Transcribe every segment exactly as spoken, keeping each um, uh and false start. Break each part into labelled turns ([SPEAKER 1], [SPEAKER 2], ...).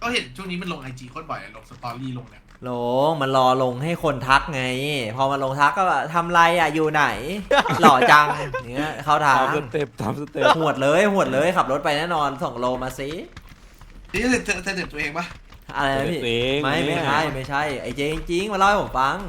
[SPEAKER 1] ก็เห็นช่วงนี้มันลงไอจีโคตรบ่อยลงสตอรี่ลงเนี่ย
[SPEAKER 2] ลงมันรอลงให้คนทักไง พอมาลงทักก็แบบทำไรอ่ะอยู่ไหน หล่อจังเนี้ยเข้าทาง
[SPEAKER 3] ตามสเต็ปตามสเต็ป
[SPEAKER 2] หวดเลยหวดเลยขับรถไปแน่นอนส่งโลมาสิ
[SPEAKER 1] นี่เธอเธอเธอเด็ดตัวเองปะ
[SPEAKER 2] อะไรนะพี่
[SPEAKER 3] เอง
[SPEAKER 2] ไม่ไม่ใช่ไม่ใช่ไอ้เจจริงๆมาเล่าให้ผมฟัง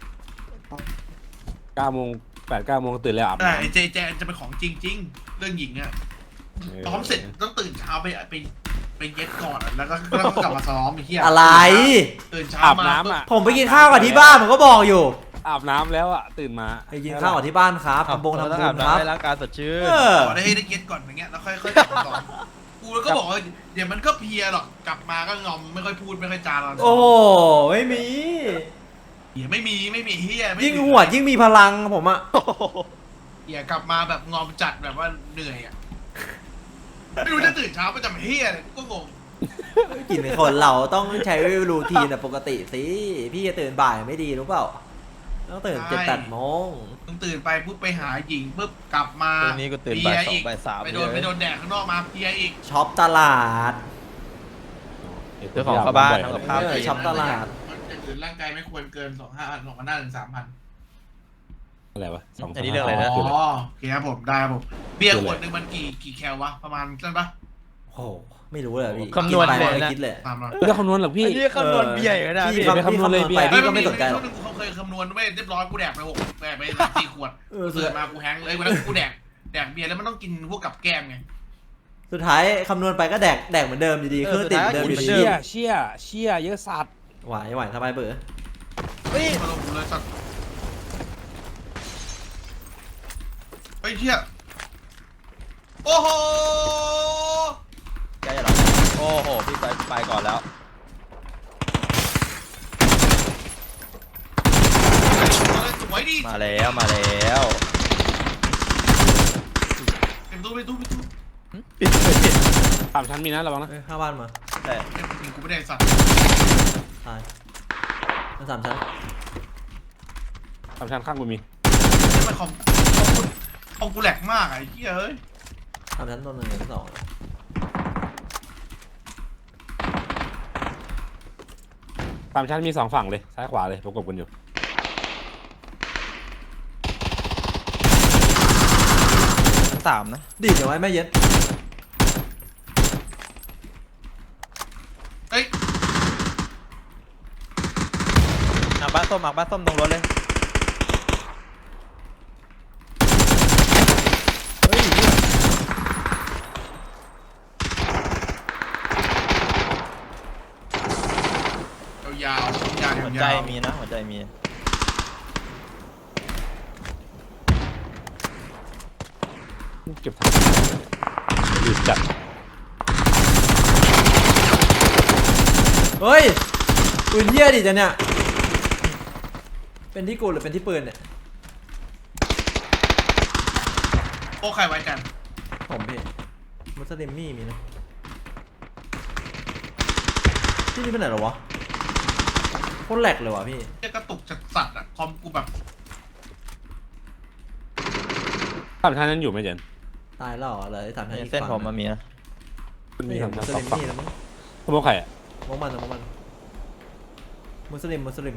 [SPEAKER 3] เก้าโมงแปดเก้าโมงตื่นแล้วอาบ
[SPEAKER 1] แต่
[SPEAKER 3] น้ำ
[SPEAKER 1] ไอเจแจจะเป็นของจริงจริงเรื่องหญิงอะซ้อมเสร็จต้องตื่นเช้าไปไปไปเย็ดก่อนแล้วก็แล้วก็กลับมาซ้อมไอ้เหี้ย
[SPEAKER 2] อะไร
[SPEAKER 1] ตื่นเช้า
[SPEAKER 3] อาบ
[SPEAKER 1] มา
[SPEAKER 3] น้ำอ่ะ
[SPEAKER 2] ผมไปกินข้าวกับที่บ้านผมก็บอกอยู่
[SPEAKER 3] อาบน้ำแล้วอ่ะตื่นมา
[SPEAKER 2] ไปกินข้าวกับที่บ้านครับทำบงทำบุญครับ
[SPEAKER 4] ให้ร่างกายสดชื่น
[SPEAKER 2] เออ
[SPEAKER 1] ขอได้ให้ได้เย็ดก่อนอย่างเงี้ยแล้วค่อยค่อยกลับมาซ้อมกูก็บอกว่าเดี๋ยวมันก็เพลียหรอกกลับมาก็งอมไม่ค่อยพูดไม่ค่อยจาเรา
[SPEAKER 2] โอ้โหไม่มี
[SPEAKER 1] เหี้ยไม่มีไม่มีเหี้ยไม่มี
[SPEAKER 2] ยิ่งหวดยิ่งมีพลังผมอะ
[SPEAKER 1] เหี้ยกลับมาแบบงอมจัดแบบว่าเหนื่อยอะไม่รู้จะตื่นเช้ามาจำเหี้ยอะไรกูก็งง
[SPEAKER 2] กินคนเราต้องใช้รูทีนแบบปกติสิพี่จะตื่นบ่ายไม่ดีรู้เปล่าต้องตื่นเจ็ดแปดโมง
[SPEAKER 1] มึงตื่นไปปุ๊บไปหาหญิงปุ๊บกลับมา
[SPEAKER 4] ตรงนี้ก็ตื่นบ่ายสองบ่ายสาม
[SPEAKER 1] ไปโดนไปโดนแดดข้างนอกมาเพลียอีก
[SPEAKER 2] ช็อปตลาด
[SPEAKER 4] เจ้าของเข้าบ้านทำกับข้าว
[SPEAKER 2] เออ
[SPEAKER 4] กิน
[SPEAKER 2] ช็อปตลาด
[SPEAKER 1] มันอย่างอื่นร่างกายไม่ควรเกินสองห้าสองพันห้าถึงสามพัน
[SPEAKER 3] อะไรวะสอง
[SPEAKER 4] อันนี้เรื่องอะไรนะ
[SPEAKER 1] อ๋อโอเคครับผมได้ครับผมเบียร์ขวดหนึ่งมันกี่กี่แคลวะประมาณนั่นปะ
[SPEAKER 2] โอ้โหไม่รู้เลยพี่
[SPEAKER 4] คำนวณ
[SPEAKER 2] กิไป
[SPEAKER 4] เลยนะ
[SPEAKER 2] ไม่คิดเลย
[SPEAKER 1] ตามเรา
[SPEAKER 3] ไม่ได้คำนวณหรอกพี่
[SPEAKER 4] อันนี้คำนวณเบียร์อยู่นะ
[SPEAKER 2] พี่
[SPEAKER 4] พี่
[SPEAKER 2] คำ
[SPEAKER 3] ไปคำนวณเลยเบียร์
[SPEAKER 2] พี่ก็ไม่สนใจหรอก
[SPEAKER 1] ช่วงนึงกูเคยคำนวณไว้เรียบร้อยกูแดกไปหกแดกไปสี่ขวด
[SPEAKER 2] เออ
[SPEAKER 1] เสือมากูแฮงเลยวันนั้นกูแดกแดกเบียร์แล้วมันต้องกินพวกกับแก้มไง
[SPEAKER 2] สุดท้ายคำนวณไปก็แดกแดกเหมือนเดิมอยู่ดีเครื่องติดเหมือนเดิมอยู่ดี
[SPEAKER 3] เชี่ยเชี่ยเชี่ยเยอะสัตว์
[SPEAKER 2] ไหวไหวสบายเบอร์
[SPEAKER 4] เฮ้ย
[SPEAKER 1] มาลงกูเลยสัตว์ไอ้เชี่ยโอ้โห
[SPEAKER 4] ใกล้จะหรอโอ้โหพี่ไปไปก่อนแล้ว
[SPEAKER 1] สวยดิ
[SPEAKER 4] มาแล้วมาแล้ว
[SPEAKER 1] เป็นตู้เป็นตู้เป็นตู้
[SPEAKER 4] ปิดปิดปิด
[SPEAKER 3] สามชั้นมีนะระวังนะ
[SPEAKER 2] เอ้ยข้าบ้านมา
[SPEAKER 4] แต่
[SPEAKER 1] เอ็มยิงกูไม่ได้สัตว์
[SPEAKER 2] ตายมันสามชั้น
[SPEAKER 3] สามชั้นข้างกูมี
[SPEAKER 1] นี่มันคอมคอมกูคอมกูแหลกมากอะไอ้เหี้ยเฮ้ย
[SPEAKER 2] สามชั้นตัวหนึ่งตัวสอง
[SPEAKER 3] สามชั้นมีสองฝั่งเลยซ้ายขวาเลยประกบกันอยู่
[SPEAKER 4] สามนะ
[SPEAKER 2] ดีดเอาไว้ไม่เย็น
[SPEAKER 1] เฮ้ย
[SPEAKER 4] อ่ะบ้านส้มอ่ะบ้านส้มตรงรถเลย
[SPEAKER 2] เฮ้ย
[SPEAKER 1] ยาวๆยาว
[SPEAKER 4] หัว
[SPEAKER 1] ๆ
[SPEAKER 4] ใจ
[SPEAKER 1] ยาวๆ
[SPEAKER 4] มีนะหัวใจมี
[SPEAKER 3] เก็บถังรีบจัด
[SPEAKER 2] เฮ้ยปืนเหี้ยดิจ้ะเนี่ยเป็นที่กูหรือเป็นที่ปืนเนี่ย
[SPEAKER 1] โอ้ใครไว้กัน
[SPEAKER 2] ผมพี่มุสลิมมี่มีนะที่นี่เป็นไหนหรอวะโคตรแหลกเลยวะพี่
[SPEAKER 1] จะกระตุกจัดสัตว์อะคอมกูแบบ
[SPEAKER 3] สามชั้นนั้นอยู่ไหมเจน
[SPEAKER 2] ตายแล้วเหรอเลยสามชั้นอีก
[SPEAKER 4] เส้น
[SPEAKER 2] ฝั่ง
[SPEAKER 4] ผมมันมีนะ
[SPEAKER 3] มัน
[SPEAKER 2] ไม่
[SPEAKER 3] มี
[SPEAKER 2] เห็
[SPEAKER 3] สาน ม
[SPEAKER 2] มุ
[SPEAKER 3] ชั้น
[SPEAKER 2] ส
[SPEAKER 3] สอ
[SPEAKER 2] ลิ
[SPEAKER 3] ง
[SPEAKER 2] ม
[SPEAKER 3] ฝั่ง
[SPEAKER 2] มี่แล้วมั้ง
[SPEAKER 3] ขโมยใครอ่ะ
[SPEAKER 2] มองมันนะมองมันมุสลิมมุสลิม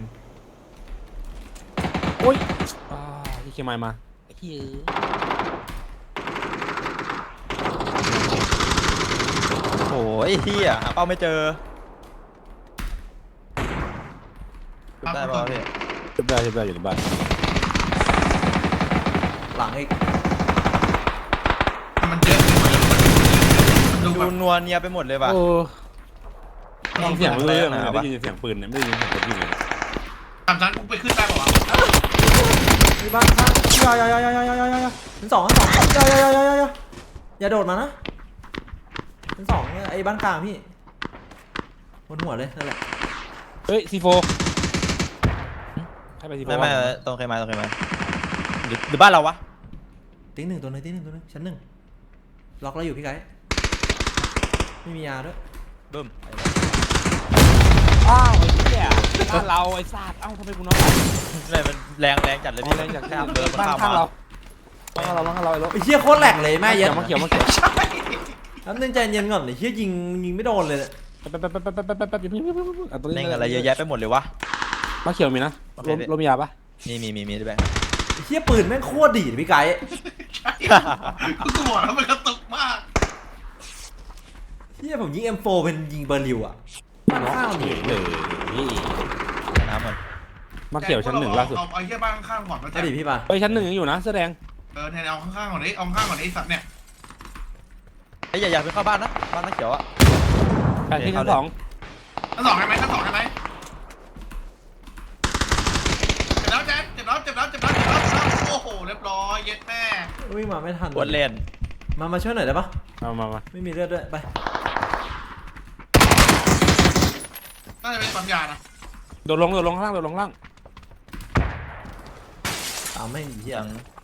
[SPEAKER 3] โอ้ยอ่าที่เคมายมาไอ้เหี้ย
[SPEAKER 4] โอ้ยเฮียหาเป้าไม่เจอได้ป่าวพี่
[SPEAKER 3] ชุบได้ชุบได้อยู่ในบ้าน
[SPEAKER 2] หลังอีก
[SPEAKER 1] มันเยอะมันดู
[SPEAKER 4] ดู
[SPEAKER 1] แบบ
[SPEAKER 4] นัวเนียไปหมดเลยป่ะ
[SPEAKER 3] โอ้ฟังเสียงไม่รู้เรื่องเลย
[SPEAKER 4] เอา
[SPEAKER 3] ได้
[SPEAKER 4] ปะ
[SPEAKER 3] ยินเสียงปืนเนี่ยไม่ได้ยินเสียงคนยิงเลย
[SPEAKER 1] สามชั้นกูไปขึ้นได้ป่าวะ
[SPEAKER 2] มีบ้านข้างอย่าอย่าอย่าอย่าอย่าอย่าอย่าชั้นสองชั้นสองอย่าอย่าอย่าอย่าอย่าอย่าอย่าโดดมานะชั้นสองเนี่ยไอ้บ้านกลางพี่บนหัวเลยนั่นแหละ
[SPEAKER 3] เฮ้ยซีโฟให้ไปซีโฟ
[SPEAKER 4] ไม่ไม่ตรงใครมาตรงใครมาหรือหรือบ้านเราวะ
[SPEAKER 2] ติ๊งหนึ่งตัวหนึงติ๊งหนึ่งตัวหนึงชั้นหนึ่งล็อกแล้วอยู่พี่ไก่ไม่มียาด้วย
[SPEAKER 4] บึ้ม
[SPEAKER 3] อ้าวไอ้เหี้ยบ้านเราไอ้ซาดเอ้าทำไมกูน้อย
[SPEAKER 4] ไม่มันแรงแรงจัดเลย
[SPEAKER 3] อ๋อ
[SPEAKER 4] พี่
[SPEAKER 3] แรงจาก
[SPEAKER 4] ข้ามเดินมัน
[SPEAKER 3] บ้าน
[SPEAKER 4] ข้าม
[SPEAKER 3] ข้าง
[SPEAKER 4] มา
[SPEAKER 3] เราบ้านเราบ้านเราไอ้รถ
[SPEAKER 2] ไอ้เหี้ยโคตรแหลกเลยแม่เย็น
[SPEAKER 3] มาเขียวมาเขียว
[SPEAKER 1] ใช่
[SPEAKER 2] แป๊บนึงใจเย็นก่อนไอ้เหี้ยยิงยิงไม่โดนเลยเนี่ย
[SPEAKER 3] เแป๊บแป๊บแป๊บแป๊บแป๊บแป๊บแป๊บอย่าเพิ่งอย่าเพิ่งอย่าเพิ่งเอาตัวนี้
[SPEAKER 4] เล่นอะไรเยอะแยะไปหมดเลยวะ
[SPEAKER 3] มาเขียวมีนะ
[SPEAKER 4] โอเค
[SPEAKER 3] ลม
[SPEAKER 4] พี่
[SPEAKER 3] ลมยาปะ
[SPEAKER 4] มีมีมีมีด้วยแบง
[SPEAKER 2] เฮียปืนแม่งโคตรดีดพี่ไก่
[SPEAKER 1] ใช่กูบอกแล้วมันกระตุกมาก
[SPEAKER 2] เฮียผมยิง เอ็มโฟ เป็นยิงเบอร์ลิวอ่ะบ้านข้างมี
[SPEAKER 3] เลยนี่
[SPEAKER 4] น้ำมัน
[SPEAKER 3] มาเขียวชั้นหนึ่งล่าสุด
[SPEAKER 1] เอาเอาเหี้ยบ้านข้างๆก่อนมา
[SPEAKER 2] อ
[SPEAKER 1] แจ๊
[SPEAKER 2] ดีตพี่ปะ
[SPEAKER 3] เฮ้ยชั้นหนึ่งยังอยู่นะเสื้อแดง
[SPEAKER 1] เออเนี่ยเอาข้างๆก่อนดิเอาข้างๆก่อนดิไอ้สัตว์เนี่ย
[SPEAKER 4] ไอ้ยอย่าอยากไปเข้าบ้านนะบ้านนักเขียวอะ
[SPEAKER 3] แปดที่ชั้นสอง
[SPEAKER 1] ชั้นสองได้ไหมชั้นสองได้ไหมเจ็บแล้วแจ๊คเจ็บแล้วเจ็บแล้วเจ็บแล้วเจ็บแล้วเจ็บแล้วโอ้โหเรียบร้อยเย็ดแม่
[SPEAKER 2] วิ่งมาไม่ทัน
[SPEAKER 4] ปวดเล่น
[SPEAKER 2] มามาช่วยหน่อยได้ปะ
[SPEAKER 3] มามามา
[SPEAKER 2] ไม่มีเลือดด้วยไป
[SPEAKER 1] น่าจะเป็นปั๊มยานะ
[SPEAKER 3] โดดลงโดดลงข้างล่างโดดลงข้างล่าง
[SPEAKER 2] ตามไม่งเฮีย
[SPEAKER 4] ยัง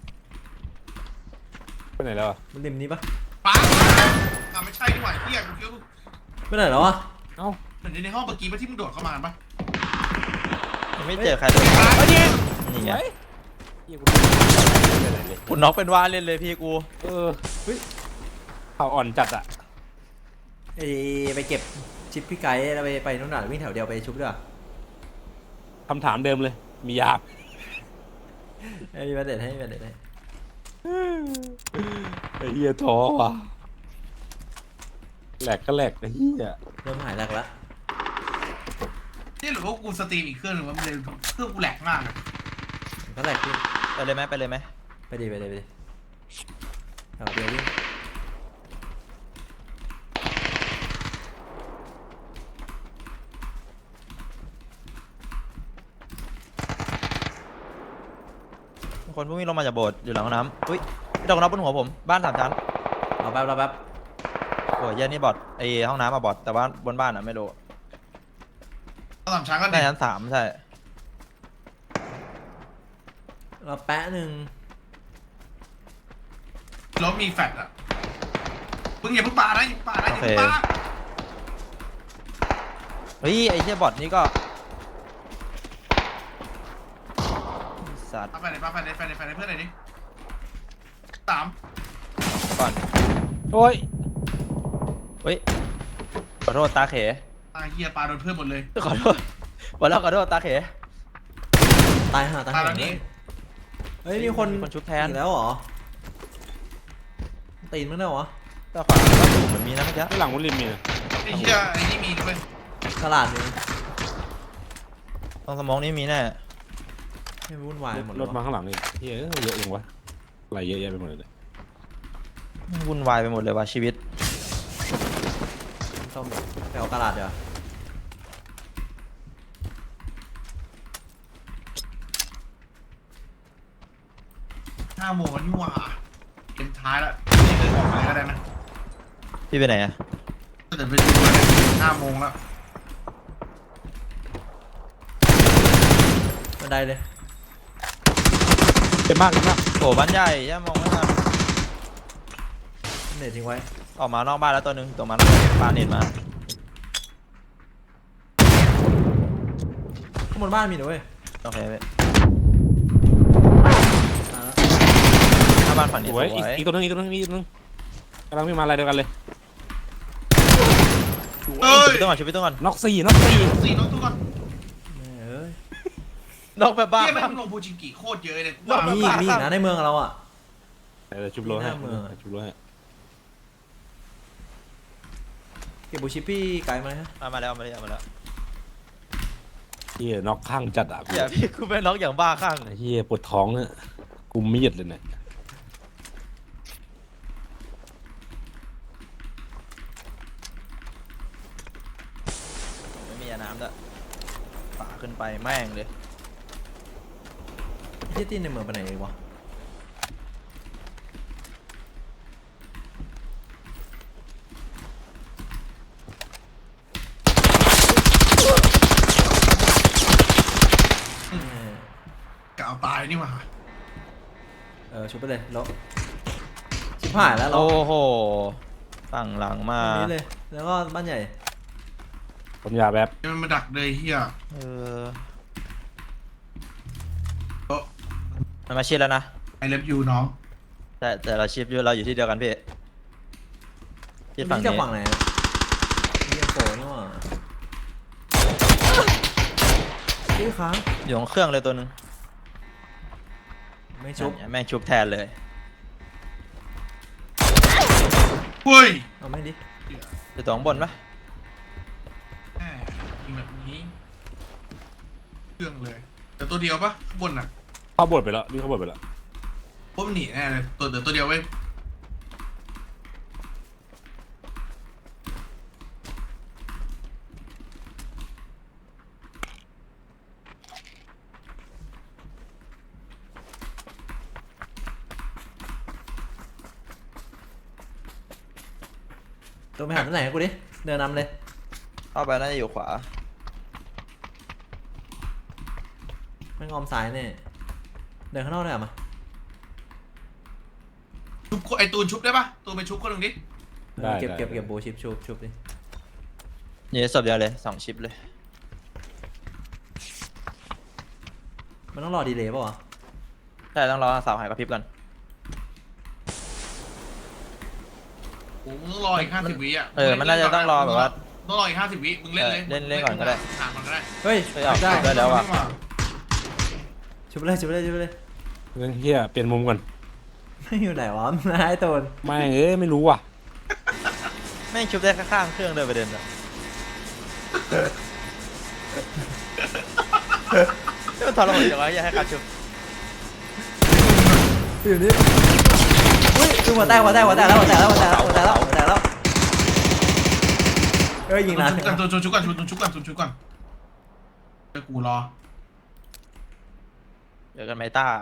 [SPEAKER 3] ไปไหนแล้วอ่ะ
[SPEAKER 2] มันริมนี้ปะ
[SPEAKER 1] ปั๊มอ่ะไม่ใช่ดีกว่าเฮียกูคิดว่า
[SPEAKER 2] ไปไหนแล้ววะ
[SPEAKER 3] เอ้า
[SPEAKER 1] เหมือนในห้องเมื่อกี้ปะที่มึงโดดเข้ามาปะ
[SPEAKER 4] ยังไม่เจอใครเลย
[SPEAKER 3] เฮ้ยนี่
[SPEAKER 4] นี่ไง
[SPEAKER 3] เหี้ยกูไม่ได้เลย
[SPEAKER 4] คุณน็อกเป็นว่าเล่นเลยพี่กู
[SPEAKER 3] เออเฮ้ยเข่าอ่อนจัดอ่ะ
[SPEAKER 2] ไอไปเก็บชิปพี่ไก่แล้วไปไปนู่นน่ะวิ่งแถวเดียวไปชุบด้วย
[SPEAKER 3] คำถามเดิมเลย มียา
[SPEAKER 2] ไอ้มีประเด็นให้มีประเด็นให้
[SPEAKER 3] ไอ้เหี้ยท้อว่ะแหลกก็แหลกไอ้เหี้ย
[SPEAKER 2] เริ่มหายแรกแล้ว
[SPEAKER 1] นี่หรือว่ากูสตรีมอีกเครื่องหนึ่งว่ามันเลยเครื่องกูแหลกมากเลย
[SPEAKER 2] ก็แรกพี่
[SPEAKER 4] ไปเลยไหมไปเลยไหม
[SPEAKER 2] ไปดีไปดีไปดีแถวเดียววิ่ง
[SPEAKER 4] คนพวกนี้ลงมาจากโบสถ์อยู่หลังห้องน้ำอุ้ยดอกน็อกบนหัวผมบ้านสามชั้น
[SPEAKER 2] รอแป๊บรอแป๊บ
[SPEAKER 4] โอ้ยเหี้ยันนี่บอทไอห้องน้ำมาบอทแต่ว่าบนบ้านอะไม่รู้
[SPEAKER 1] ตอนสามช้างก็
[SPEAKER 4] น่า
[SPEAKER 1] เด็
[SPEAKER 4] จะ
[SPEAKER 1] ก
[SPEAKER 4] ชั้นสามใช่
[SPEAKER 2] รอแปะหนึ่ง
[SPEAKER 1] รถมีแฟลชอ่ะมึงอย่าเพิ่งปานะอย่าเพิ่งปานะอย่าเพิ่งปา
[SPEAKER 4] เฮ้ยไอเชี่ยบอทนี้ก็สัตว์
[SPEAKER 1] ปาไปไหนปาไปไหนไปไหนไปไหนเพื่อนไหนดิสาม
[SPEAKER 4] ก่อน
[SPEAKER 3] โอ้ย
[SPEAKER 4] เฮ้ยขอโทษตาเข
[SPEAKER 1] อ่ะเฮียปาโดนเพื่อนหมดเลย
[SPEAKER 4] ขอโทษวันแล้วขอโทษตาเข
[SPEAKER 2] ตายห่าตาย
[SPEAKER 1] ตา
[SPEAKER 2] ห่าย
[SPEAKER 1] แล้วนี่
[SPEAKER 2] เฮ้ยมีคน
[SPEAKER 4] มีคนชุบแทน
[SPEAKER 2] อีกแล้วเหรอตีนมั้งเนี่ยวะ
[SPEAKER 4] แต่ขวาก็ถูกเหมือนมีนะเมื่อกี้
[SPEAKER 3] ข้างหลังมุลิมมีนะ
[SPEAKER 1] ไอ้เฮียไอ้นี่มีด้วย
[SPEAKER 2] ตลาดนึง
[SPEAKER 4] ตรงสมองนี้มีแน่
[SPEAKER 2] ไม่วุ่นวายหมดเล
[SPEAKER 3] ร
[SPEAKER 2] ย
[SPEAKER 3] ถมาว
[SPEAKER 2] ะ
[SPEAKER 3] ข้างหลังนี่เฮ้ยเยอะยังวะอะไรเยอะแยะไปหมดเลย
[SPEAKER 4] วุ่นวายไปหมดเลยว่ะชีวิต
[SPEAKER 2] ส้มไปเอาตลาดเดี๋ยว
[SPEAKER 1] ห้าโมงแล้วนี่หว่าเกมท้ายแล้วนี่เดินออกไปก็ได้นะ
[SPEAKER 4] พี่ไปไหนอะ
[SPEAKER 1] ถ้าเกิดไปดูเลยห้าโมงแล้ว
[SPEAKER 2] บันไดเลย
[SPEAKER 3] เจ็บมากเจ็บมาก
[SPEAKER 4] โอ้บ้านใหญ่ย่ามองไม่ทัน
[SPEAKER 2] เน็ตทิ้งไว้
[SPEAKER 4] ออกมานอกบ้านแล้วตัวหนึงตัวมันปาเน็ตมา
[SPEAKER 2] ข้างบนบ้านมีหนูเว้ย
[SPEAKER 4] โอเคเว้ย
[SPEAKER 2] มาแล้ว
[SPEAKER 4] หน้าบ้านฝั่งนี้
[SPEAKER 3] ส
[SPEAKER 4] ส
[SPEAKER 3] ว
[SPEAKER 4] วย ย
[SPEAKER 3] อีกอีกตัวนึงอีกตัวนึงอีกตัวนึงกำลังวิ่งมาอะไรเดียวกันเลย
[SPEAKER 1] เอ้ย
[SPEAKER 4] ชุบพี่ต้องก่อนชุบพี่ต้องก่อน
[SPEAKER 3] น็อกสี่น็อกสี่
[SPEAKER 1] สี่น้องทุกคน
[SPEAKER 2] แม่เอ้ย
[SPEAKER 4] นอกแบบบ้า
[SPEAKER 1] เฮียแม่งลงบูจิงกิโคตรเยอะเลย
[SPEAKER 4] ว่า
[SPEAKER 2] มีอีกมีอีกนะในเมืองเราอ่ะ
[SPEAKER 3] เดี๋ยวชุบโลให้
[SPEAKER 2] หน้าเมือง
[SPEAKER 3] ชุบโลให้
[SPEAKER 2] เก็บบูชิปปี้ไกลมาเลยฮะ
[SPEAKER 4] เอามาแล้วเอามาแล้วเอามาแล้ว
[SPEAKER 3] เฮียน็อกข้างจัดอ่ะกู
[SPEAKER 4] อย่าพี่กูเป็นน็อกอย่างบ้าข้าง
[SPEAKER 3] เฮียปวดท้องเนี่ยกูมีดเลยเนี่ย
[SPEAKER 4] ไม่มียาน้ำด้วยป่าขึ้นไปแม่งเลย
[SPEAKER 2] ที่ตีนในเมืองไปไหนอีกวะแม่
[SPEAKER 1] กะเอาตายนี่หว่า
[SPEAKER 2] เออชุบไปเลยแล้วชิบหายแล้วเรา
[SPEAKER 4] โอ้โหฝั่งหลังมา
[SPEAKER 2] ตรงนี้เลยแล้วก็บ้านใหญ่
[SPEAKER 3] ผมยาแบบ
[SPEAKER 1] มันมาดักเลยเฮีย
[SPEAKER 4] เออ
[SPEAKER 1] โอ้
[SPEAKER 4] มันมาชิดแล้วนะ
[SPEAKER 1] ไอเลิฟยูน้อง
[SPEAKER 4] แต่แต่เราชิปอยู่เราอยู่ที่เดียวกันพี่ที่ฝั่ง
[SPEAKER 2] นี่จาก
[SPEAKER 4] นี้
[SPEAKER 2] ฝั่งไหนอะนี่โผล่นี่หว่าค้าง
[SPEAKER 4] อยู่ของเครื่องเลยตัวหนึง
[SPEAKER 2] ไม่ชุบ
[SPEAKER 4] แม่งชุบแทนเลย
[SPEAKER 1] เฮ้ย
[SPEAKER 2] เอาไม่ดิ
[SPEAKER 4] อยู่ตัวข้างบนปะ
[SPEAKER 1] แหมยิงแบบนี้เครื่องเลย แต่ตัวเดียวปะข้างบนน่ะ
[SPEAKER 3] เข้าบทไปแล้วนี่เข้าบทไปแล้ว
[SPEAKER 1] พวกมันหนีแน่เลยตัวเดียวตัวเดียวไว้ย
[SPEAKER 2] ตัวไปหาตัวไหนกูดิเดินนำเลย
[SPEAKER 4] เข้าไปน่าจะอยู่ขวา
[SPEAKER 2] ไม่งอมซ้ายเนี่ยเดินข้างนอกได้เหรอมา
[SPEAKER 1] ชุบไอตูนชุบได้ปะตูนไปชุบคนหนึ่งดิ
[SPEAKER 3] ได้
[SPEAKER 2] เก็บ
[SPEAKER 3] ได้
[SPEAKER 2] เก็บ
[SPEAKER 3] ได้
[SPEAKER 2] เก็บโบชิปชุบชุบดิ
[SPEAKER 4] นี่ศพเดียวเลยสองชิปเลย
[SPEAKER 2] มันต้องรอดีเลย์ป่าวะ
[SPEAKER 4] ใช่ต้องรอสาวหายกระพริบก่อน
[SPEAKER 1] โอ้มึงต้องรออีกห้าสิบวิอ่ะ
[SPEAKER 4] เออมันน่าจะต้องรอแบบว่า
[SPEAKER 1] ต้องรออีกห้าสิบวิมึงเล่นเลย
[SPEAKER 4] เล่นเล่นก่อนก็ได้
[SPEAKER 1] ถามมันก็ได้
[SPEAKER 2] เฮ้ย
[SPEAKER 4] เฮ้ยเอา
[SPEAKER 2] ได้
[SPEAKER 4] ได้แล้วอ่ะ
[SPEAKER 2] ชุบไปเลยชุบไปเลยชุบไปเลย
[SPEAKER 3] เรื่องเฮียเปลี่ยนมุมก่อน
[SPEAKER 2] ไม่อยู่ไหนวะนายตูน
[SPEAKER 3] ไม่เอ้ยไม่รู้ว่ะ
[SPEAKER 4] แม่งชุบได้ข้างๆเครื่องเลยประเด็นอะนี่มันทรมานจังวะอย่าให้การชุบ
[SPEAKER 2] อยู่นี่อุ้ยชุบหัวแตกหัวแตกหัวแตกแล้วหัวแตกแล้วหัวแตกแล้วหัวแตกแล้วหัวแตกแล้วเอ้ยยิง
[SPEAKER 1] ตู
[SPEAKER 2] นาน
[SPEAKER 1] นชุบกันตูนชุบกันตูนชุบกันตูนชุบกันเดี๋ยวกูรอ
[SPEAKER 4] เดี๋ยวกันไมต้า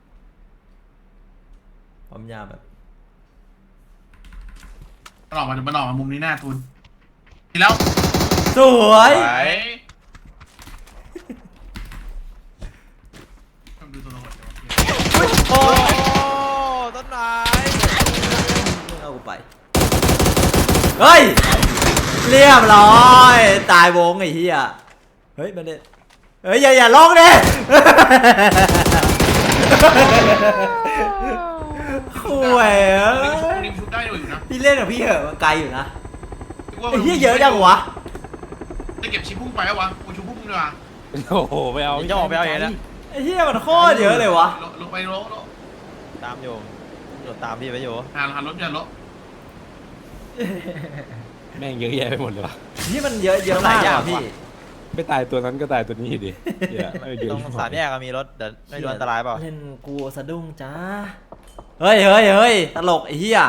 [SPEAKER 2] ความยาวแบบ
[SPEAKER 1] มันออกมามันออกมามุมนี้หน้าตูนทีแล้ว
[SPEAKER 2] สวย
[SPEAKER 1] ไปทำดูตัวละครเดี๋ยว
[SPEAKER 4] โอ้ต้นไม้
[SPEAKER 2] ไม่เอากูไปเฮ้ยเรียบร้อยตายวงไอ้เหี้ยเฮ้ยมันเนี่ยเฮ้ยอย่าอย่าลองดิคุยเอ้
[SPEAKER 1] นี่ชุบ
[SPEAKER 2] ย
[SPEAKER 1] นี่ชุบได้อยู่นะ
[SPEAKER 2] พี่เล่นกับพี่เหอะมันไกลอยู่นะไอ้เหี้ยเยอะจังวะ
[SPEAKER 1] จะเก็บชิปพุ่งไปแล้ววะกูชุบพุ่งดีกว่า
[SPEAKER 3] โอ้โหไปเอา
[SPEAKER 4] จะออกไปเอาเองนะ
[SPEAKER 2] ไอ้เหี้ยมันโคตรเยอะเลยวะ
[SPEAKER 1] ลลงไปลงลง
[SPEAKER 4] ตามอยู่โดดตามพี่ไปอยู่
[SPEAKER 1] หาหารถอย่ารถ
[SPEAKER 3] แม่งเยอะแยะไปหมดเลยว่ะ
[SPEAKER 2] นี่มันเยอะเยอะมากอ่ะพี่
[SPEAKER 3] ไม่ตายตัวนั้นก็ตายตัวนี้ดิเหี้ยเออเยอะ
[SPEAKER 4] ตรงสามแยกมีรถเดี๋ยวไม่โดนอันตรายเปล่า
[SPEAKER 2] เล่นกูสะดุ้งจ้าเฮ้ยเฮ้ยเฮ้ยตลกไอ้เหี้ย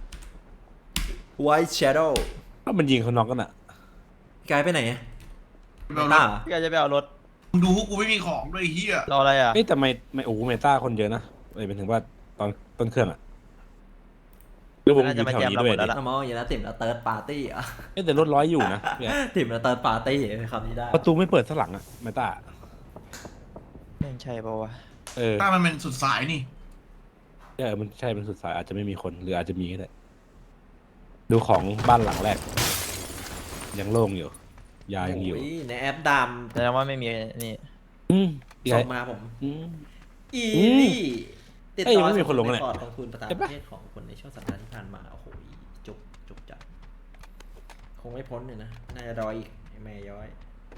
[SPEAKER 2] White Shadow
[SPEAKER 3] ถ้ามันยิงเขาน็อกกันอ่ะ
[SPEAKER 2] กายไปไหน
[SPEAKER 1] ไปเอาร
[SPEAKER 2] ต้า
[SPEAKER 1] ถ
[SPEAKER 2] เหรอ
[SPEAKER 4] พี่กายจะไปเอารถ
[SPEAKER 1] มึงดูพวกกูไม่มีของด้วยไอ้เฮีย
[SPEAKER 4] รออะไรอ่ะ
[SPEAKER 3] เอ้ยแต่ไม่ไม่โอ้โหเมตาคนเยอะนะเอ้ยเป็นถึงว่าตอนต้นเครื่องอ่ะหรือผมอยู่แถวนี้ด้วยดิ
[SPEAKER 2] น้ำมองอย่างนั้นติ่มแล้วเติร์ดปาร์ตี้อ่ะ
[SPEAKER 3] เอ้ยแต่รถร้อยอยู่นะเนี่ย
[SPEAKER 2] ติ่มแล้วเติร์ดปาร์ตี้คำนี้ได้
[SPEAKER 3] ประตูไม่เปิดสักหลังอ่ะเมตา
[SPEAKER 4] แม่งใช่ป่าวะ
[SPEAKER 3] เออ
[SPEAKER 1] ถ้ามันเป็นสุดสายนี่
[SPEAKER 3] เออมันใช่มันสุดสายอาจจะไม่มีคนหรืออาจจะมีก็ได้ดูของบ้านหลังแรก ยังโล่งอยู่ ยายังอยู่
[SPEAKER 2] โในแอปด
[SPEAKER 4] แสดงว่าไม่มีนี่
[SPEAKER 3] อืม
[SPEAKER 2] ำส่งมาผม
[SPEAKER 3] อืม
[SPEAKER 2] อี
[SPEAKER 3] อืม
[SPEAKER 2] ลี่ติด
[SPEAKER 3] เอ้ย
[SPEAKER 2] ต่อ
[SPEAKER 3] ไม่มีคนลงเลย
[SPEAKER 2] สำรวจกองทุนประธาน
[SPEAKER 3] เห็น
[SPEAKER 2] ป
[SPEAKER 3] ปะ
[SPEAKER 2] ระเทศของคนในช่วงสัปดาห์ที่ผ่านมาโอ้โหจุกจุกจัดคงไม่พ้นเลยนะน่าจะรออีกไอ้แม่ย้อย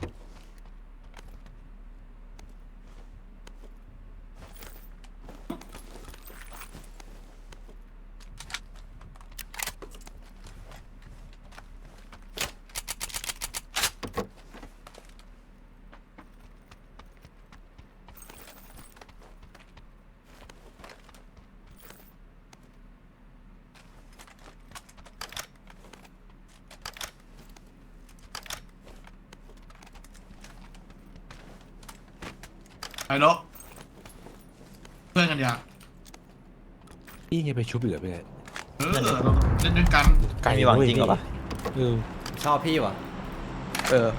[SPEAKER 1] ไปรถเพื่อนกันอย่า
[SPEAKER 3] นี่ไงไปชุบอีกเหรอพี่
[SPEAKER 1] เออเราเล่นด้วยกัน
[SPEAKER 3] ไก่
[SPEAKER 4] มีหวัง
[SPEAKER 3] เว้ย
[SPEAKER 4] จริงเหรอปะ
[SPEAKER 3] เออ
[SPEAKER 2] ชอบพี่วะ
[SPEAKER 4] เออ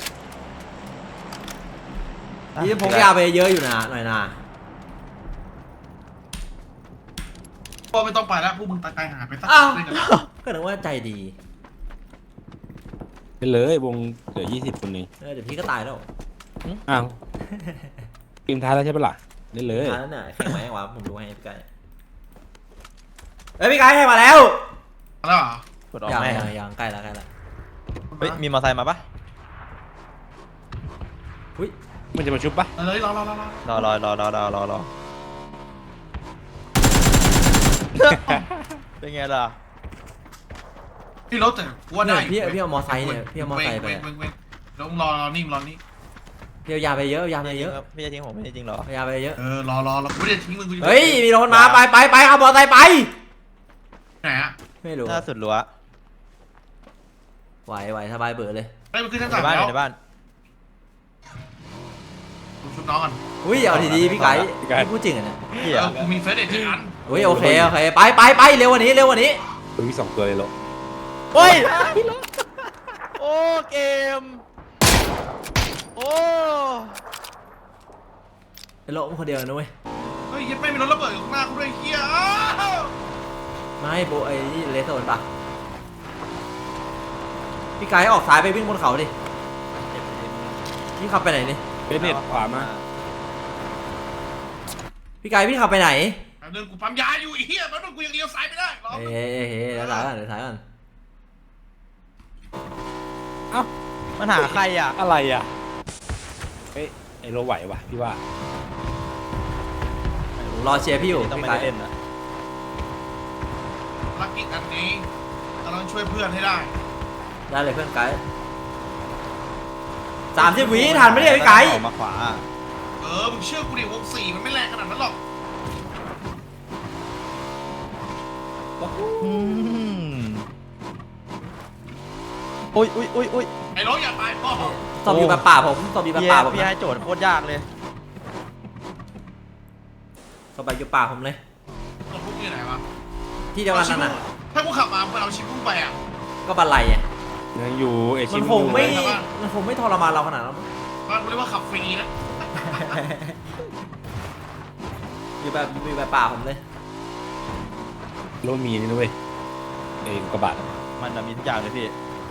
[SPEAKER 2] พี่พกยาไปเยอะอยู่นะหน่อยนะ
[SPEAKER 1] ก็ไม่ต้องไปแล้วพวกมึงตายตายหาไปสัก
[SPEAKER 2] อ้าว
[SPEAKER 1] เล่นกัน
[SPEAKER 2] ก็นึกว่าใจดี
[SPEAKER 3] ไปเลยวงเหลือยี่สิบคนเอง
[SPEAKER 2] เออเดี๋ยวพี่ก็ตายแล้ว
[SPEAKER 3] อ้าวเกมท้ายแล้วใช่ปะล่ะเล่นเลย
[SPEAKER 2] ตายแล้วเนี่ยแข่งไหมวะผมดูให้พี่ไก่เอ้ยพี่ไก่ให้มาแล้ว
[SPEAKER 1] แล้วเหรอก
[SPEAKER 4] ดออก
[SPEAKER 2] ยัง
[SPEAKER 4] แม่
[SPEAKER 2] ยังยังใกล้แล้วใกล้แล้ว
[SPEAKER 4] เฮ้ยมีมอเตอร์ไซค์มาปะ
[SPEAKER 2] อุ้ย
[SPEAKER 3] มันจะมาชุบปะ
[SPEAKER 1] เออรอรอรอรอ
[SPEAKER 4] รอรอรอรอรอรอรอเป็นไงล่ะ
[SPEAKER 1] พี่รถแต่กูว่า
[SPEAKER 2] เนี่
[SPEAKER 1] ได้
[SPEAKER 2] ยพี่พี่เอามอไซค์เนี่ยพี่เอามอไซค์ไป
[SPEAKER 1] เว้ง
[SPEAKER 2] อะ
[SPEAKER 1] เว้งเว้งเว้งแล้วมึงรอรอนิ่งรอนี่
[SPEAKER 2] พี่เอายาไปเยอะเอายาไปเยอะ
[SPEAKER 4] พี่จะทิ้งผมไม่ได้จริงเหรอ
[SPEAKER 2] เอายาไปเยอะ
[SPEAKER 1] เออรอรอรอกูไม่ได้ทิ้งมึงกูจะ
[SPEAKER 2] เฮ้ยมีรถมาไปไปไปเอามอไซค์ไป
[SPEAKER 1] ไหนอะ
[SPEAKER 2] ไม่รู้
[SPEAKER 4] หน้าสุดรั้ว
[SPEAKER 2] ไหวไหวสบายเบื่อเลย
[SPEAKER 1] ไอ้มันขึ้นชั้น
[SPEAKER 4] ใน
[SPEAKER 1] สาม
[SPEAKER 4] บ้าน
[SPEAKER 1] แล้ว
[SPEAKER 4] ในบ้าน
[SPEAKER 1] กูชุบน้องก่อน
[SPEAKER 2] อุ้ยเอาดีๆพี่ไก่พี่พูดจริงอ่ะเนี่ย
[SPEAKER 4] พี่
[SPEAKER 1] เอ
[SPEAKER 4] อะ
[SPEAKER 1] อกูมีเฟสเด็ดที่อัน
[SPEAKER 2] อุ้ยโอเคโอเคไปไปไปเร็วกว่านี้เร็วกว่านี้
[SPEAKER 3] ตัวมีสองตัวเลยเหรอ
[SPEAKER 4] โอ้ยโอ้เกมโอ้
[SPEAKER 2] ไอ้โลมคนเดียวนะเว้ย
[SPEAKER 1] เฮ้ยยังไม่มีรถระเบิดอยู่ข้างหน้ากูด้วยเฮียอ้าว
[SPEAKER 2] ไม่โบไอ้นี่เลสโซนปะพี่ไก่ออกซ้ายไปวิ่งบนเขาดิพี่ขับไปไหนนี่
[SPEAKER 3] เบสเน็ตขวามา
[SPEAKER 2] พี่ไก่พี่ขับไปไหน
[SPEAKER 1] แป๊บนึงกูปั๊มยาอยู่ไอ้เฮียแป๊บนึงกูยังเลี้ยวซ้ายไม่ได้รอ
[SPEAKER 2] เฮ้ยเฮ้ยเฮ้ยเดี๋ยวซ้ายก่อนเดี๋ยวซ้ายก่อน
[SPEAKER 3] เอ้า
[SPEAKER 4] มันหาใครอ่ะ
[SPEAKER 3] อะไรอ่ะเอ้ยไอโรไหววะพี่ว่า
[SPEAKER 2] รอเชียร์พี่อยู่
[SPEAKER 4] ต้อง
[SPEAKER 2] พี่
[SPEAKER 4] ไม่
[SPEAKER 2] ไก่
[SPEAKER 4] ได้เล่นนะ
[SPEAKER 1] ลักกิจอันนี้เราต้องช่วยเพื่อนให้ได้
[SPEAKER 2] ได้เลยเพื่อนไก่สามสิบวิทันไหมเนี่ยพี่ไก่
[SPEAKER 4] ออกมาขวา
[SPEAKER 1] เออมึงเชื่อกูดิวงสี่มันไม่แรงขนาดนั้นหรอก
[SPEAKER 4] อืมอุ้ยอุ้ยอุ้ยอุ้ย
[SPEAKER 1] ไอ้ร้องอย่าตายพ่อ
[SPEAKER 2] ตบอยู่แบบป่าผมตบอยู่แบบ
[SPEAKER 4] พี่
[SPEAKER 2] ป่าผม
[SPEAKER 4] พี่
[SPEAKER 2] นะ
[SPEAKER 4] ให้โจทย์โคตรยากเลย
[SPEAKER 2] ตบไปอยู่ป่าผมเลย
[SPEAKER 1] ตัวพวกอยู่ไหนวะ
[SPEAKER 2] ที่เดียวกันนั่นน่ะ
[SPEAKER 1] ถ้ากูขับมาเพื่อเอาชิปพุ่งไปอ่ะ
[SPEAKER 2] ก็บันไลอ่ะ
[SPEAKER 3] ยังอยู่ไอ
[SPEAKER 2] มั
[SPEAKER 3] ชิ
[SPEAKER 2] น
[SPEAKER 3] ม
[SPEAKER 2] คงไม่
[SPEAKER 3] อยู่เลย
[SPEAKER 2] มันคงไม่ทรมานเราขนาดนั้น
[SPEAKER 1] บ้านกูเรียกว่าขับฟรีนะ
[SPEAKER 2] อยู่แบบอยู่แบบป่าผมเลย
[SPEAKER 3] โรมีนี่นะเว้ยไอกระบะ
[SPEAKER 4] มันน่ะมีทุกอย่างเลยพี่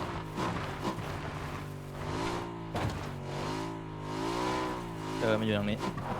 [SPEAKER 4] เจอมันอยู่ตรงนี้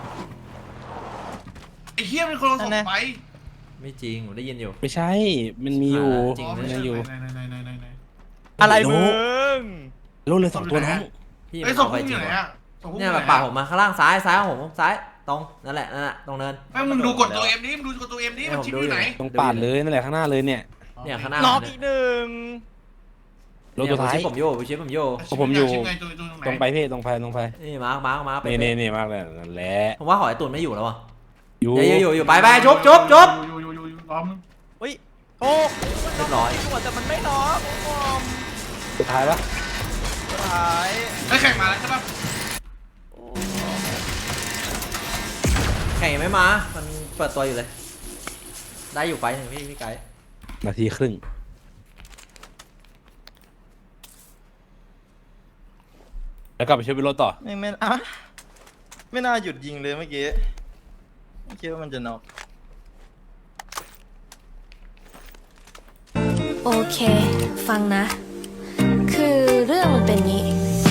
[SPEAKER 1] ไอ้เฮียเป็นคนเอาส่งไป
[SPEAKER 2] ไม่จริงผมได้ยินอยู่
[SPEAKER 3] ไม่ใช่ มันมีอยู่
[SPEAKER 2] จริง
[SPEAKER 3] มันยังอยู่
[SPEAKER 1] ไหนไหนไหนไหนไหน
[SPEAKER 4] อะไรมึง
[SPEAKER 3] โรเลยสองตัวน้อง
[SPEAKER 2] พี่
[SPEAKER 1] ไอ้
[SPEAKER 2] มัน
[SPEAKER 1] ส่ง
[SPEAKER 2] เอาไป
[SPEAKER 1] พุ่ง
[SPEAKER 2] จ
[SPEAKER 1] อ
[SPEAKER 2] ริง
[SPEAKER 1] ยู่ไหน
[SPEAKER 2] วะ
[SPEAKER 1] อ่ะส่งพุ่งอ
[SPEAKER 2] เนี่ย
[SPEAKER 1] ยู่
[SPEAKER 2] แบ
[SPEAKER 1] ไหน
[SPEAKER 2] บป่าผมมาข้างล่างซ้ายซ้ายของผมซ้ายตรงนั่นแหละนั่นแหละตรงเนิน
[SPEAKER 1] ไม่มึงดูกดตัวเอ็มนี้มึงดูกดตัวเอ็มนี้มันชิปอยู่ไหน
[SPEAKER 3] ตรงปาดเลยนั่นแหละข้างหน้าเลยเนี่ย
[SPEAKER 2] เนี่ยข้างหน้า
[SPEAKER 4] น็อก
[SPEAKER 2] ผม
[SPEAKER 4] อี
[SPEAKER 2] เนี่ย
[SPEAKER 4] กหนึ่ง
[SPEAKER 3] โรตัวท้าย
[SPEAKER 2] เนี่ยผมชิปผมโย่ผมชิปผมโย่
[SPEAKER 3] ของผมอยู่
[SPEAKER 1] ชิปไงตัวตัวตรงไหน
[SPEAKER 3] ตรงไปพี่ตรงไปตรงไป
[SPEAKER 2] นี่มาร์คมาร์คมาร์คไป
[SPEAKER 3] นี่นี่นี่มากเลยนั่นแหละ
[SPEAKER 2] ผมว่าหอยตุ่นไม่อยู่แล้ววะ
[SPEAKER 3] อยู่
[SPEAKER 2] เดี๋ยวอยู่อยู่ไปไปจุ๊บจุ๊บจุ๊บ
[SPEAKER 1] อยู่อยู่อยู่อยู่ล้อม
[SPEAKER 4] อุ้ยโอ้
[SPEAKER 2] เรียบร้อย
[SPEAKER 4] หัวแต่มันไม่น็อกโอ้ม
[SPEAKER 3] สุดท้ายปะ
[SPEAKER 4] สุดท้าย
[SPEAKER 1] ไอ้แข่งมาแล้วใช่ปะ
[SPEAKER 2] แข่งยังไม่มา มันเปิดตัวอยู่เลย ได้อยู่ไปหนึ่งพี่พี่ไก่
[SPEAKER 3] นาทีครึ่งแล้วกลับไปช่วยพี่โรถต่อ
[SPEAKER 4] ไม่ไม่อะไม่น่าหยุดยิงเลยเมื่อกี้ไม่คิดว่ามันจะน็อก
[SPEAKER 5] โอเค ฟังนะ คือเรื่องมันเป็นงี้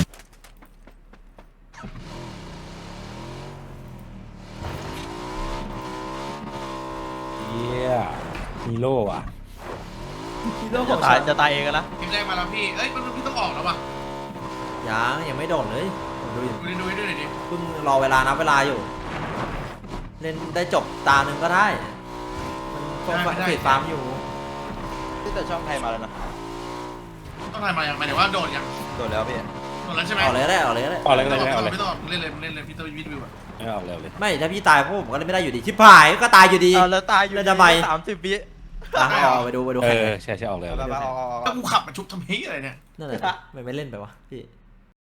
[SPEAKER 3] เยี่ยมีโล่อะ
[SPEAKER 4] จะตายจะตายเองกันนะ
[SPEAKER 1] ทีมแรกมาแล้วพี่เอ้ยมันพี่ต้องออกแล้วป่ะ
[SPEAKER 2] ยังยังไม่โดดเลยผมดูอยู่
[SPEAKER 1] ดูดิดูดิดูดิดิ
[SPEAKER 2] เพิ่งรอเวลานับเวลาอยู่ เล่นได้จบตาหนึ่งก็ได้ มันก็เฟดฟาร์มอยู่
[SPEAKER 4] ที่แต่ช่องไทยมาแล้วนะ
[SPEAKER 1] ต้องถ่ายมาอย่างหมายถึงว่าโดดยัง
[SPEAKER 4] โดดแล้วพี่
[SPEAKER 1] โดดแล้วใช่ไหม
[SPEAKER 2] เอาเลยก็ได้เอาเลยก็ได้
[SPEAKER 3] ออกเลยก็ได้
[SPEAKER 1] ไม่
[SPEAKER 3] ออกเลย
[SPEAKER 1] ต้องออกเล่นเลยเล่นเลยพี่ต้องวิดวิวอ่ะ
[SPEAKER 3] ไม่ออกเลยเลย
[SPEAKER 2] ไม่ถ้าพี่ตายพวกผมก็เล่นไม่ได้อยู่ดี ชิบหายก็ตายอยู่ดี
[SPEAKER 4] เอาแล้วตายอยู่
[SPEAKER 2] แล้วทำไม
[SPEAKER 4] สามสิบวิ
[SPEAKER 2] อ่ะเอาไปดูไปดู
[SPEAKER 3] เอ
[SPEAKER 2] แข่ง
[SPEAKER 3] อใช่ใช่ออกเลยออก
[SPEAKER 4] เอา
[SPEAKER 3] เลย
[SPEAKER 4] เอาเอาเอา
[SPEAKER 1] แล้วกูขับมาชุบทำเฮียอะไรเนี่ย
[SPEAKER 2] นั่นแหละไม่ไม่เล่นไปวะพี่